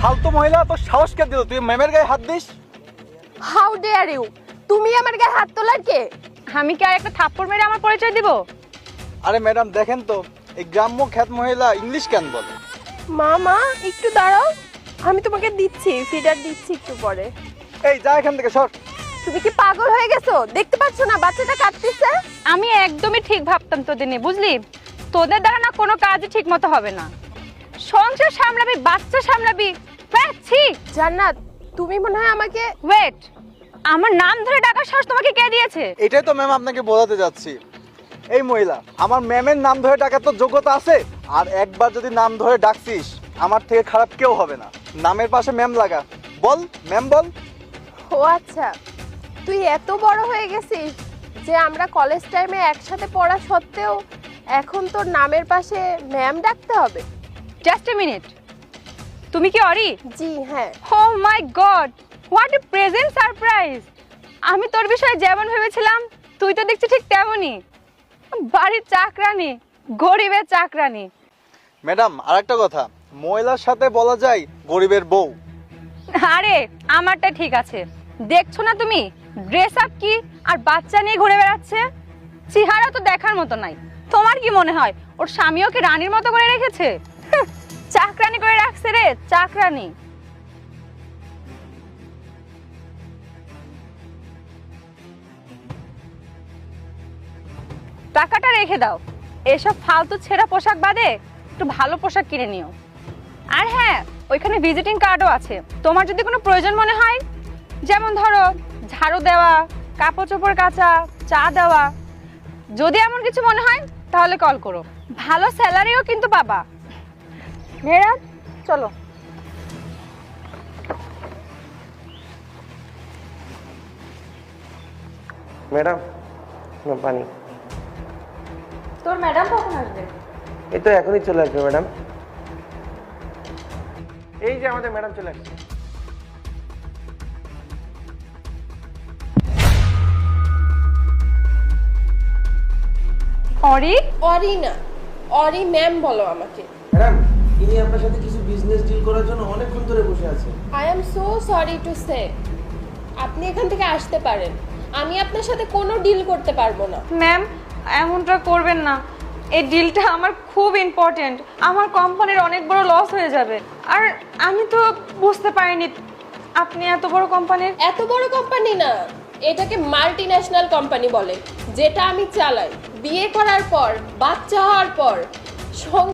ফালতু মহিলা, তো সাহস কে দিল তুই ম্যামের গায়ে হাত দিস? How dare you! তুমি আমার গায়ে হাত তোলার কে? আমি কি আর একটা থাপ্পড় মেরে আমার পরিচয় দিব? আরে ম্যাডাম দেখেন তো, এই গ্রাম্য খ্যাত মহিলা ইংলিশ কেন বলে? মা একটু দাঁড়াও, আমি তোমাকে দিচ্ছি, ফিডার দিচ্ছি একটু পরে। এই যা এখান থেকে সর। তুমি কি পাগল হয়ে গেছো? দেখতে পাচ্ছ না বাচ্চাটা কাঁদতেছে? আমি একদমই ঠিক ভাবতাম তোদের নিয়ে, বুঝলি? তোদের দ্বারা না কোনো কাজই ঠিক মতো হবে না। সংসার সামলাবি, বাচ্চা সামলাবি, পাচ্ছি। জান্নাত, তুমি মনে হয় আমাকে ওয়েট, আমার নাম ধরে ডাকার সাহস তোমাকে কে দিয়েছে? এটাই তো ম্যাম আপনাকে বোঝাতে যাচ্ছি। এই মহিলা, আমার ম্যামের নাম ধরে ডাকার তো যোগ্যতা আছে। আর একবার যদি নাম ধরে ডাকছিস, আমার থেকে খারাপ কেউ হবে না। নামের পাশে ম্যাম লাগা, বল ম্যাম বল। ও আচ্ছা, তুই এত বড় হয়ে গেছিস যে আমরা কলেজ টাইমে একসাথে পড়া সত্ত্বেও এখন তোর নামের পাশে ম্যাম ডাকতে হবে? জাস্ট এ মিনিট, তুমি কি অরি? জি হ্যাঁ। Oh my god, what a present surprise! আমি তোর বিষয়ে যেমন ভেবেছিলাম তুই তো দেখছি ঠিক তেমনই। বাড়ির চাকরানি, গরিবের চাকরানি। ম্যাডাম আরেকটা কথা, মহিলার সাথে বলা যায় গরিবের বউ। আরে আমারটা ঠিক আছে, দেখছো না তুমি ড্রেস আপ কি আর বাচ্চা নিয়ে ঘুরে বেড়াচ্ছে? চেহারা তো দেখার মতো নাই। তোমার কি মনে হয় ওর স্বামী ওকে রানীর মতো করে রেখেছে? চাকরানি করে রাখছে রে, চাকরানি। টাকাটা রেখে দাও, এসব ফালতু ছেঁড়া পোশাক বাদে একটু ভালো পোশাক কিনে নিও। আর হ্যাঁ, ওইখানে ভিজিটিং কার্ডও আছে, তোমার যদি কোনো প্রয়োজন মনে হয়, যেমন ধরো ঝাড়ু দেওয়া, কাপড় চোপড় কাচা, চা দেওয়া, যদি এমন কিছু মনে হয় তাহলে কল করো। ভালো স্যালারিও কিন্তু পাবা। মেয়েরাজ চলো। ম্যাডাম পানি। তোর ম্যাডাম কখন আসবে? এই তো এখনই চলে আসবে ম্যাডাম। এই যে আমাদের ম্যাডাম চলে আসছে। অরি? অরি না, অরি ম্যাম বলো আমাকে। ম্যাডাম ইনি আপনার সাথে কিছু বিজনেস ডিল করার জন্য অনেকক্ষণ ধরে বসে আছে। I am so sorry to say, আপনি এখান থেকে আসতে পারেন। আমি আপনার সাথে কোনো ডিল করতে পারবো না। ম্যাম এমনটা করবেন না, এই ডিলটা আমার খুব ইম্পর্টেন্ট। আমার কোম্পানির অনেক বড় লস হয়ে যাবে। আর আমি তো বুঝতে পারিনি আপনি এত বড় কোম্পানির। এত বড় কোম্পানি না, এটাকে মাল্টি ন্যাশনাল কোম্পানি বলে, যেটা আমি চালাই। বিয়ে করার পর, বাচ্চা হওয়ার পর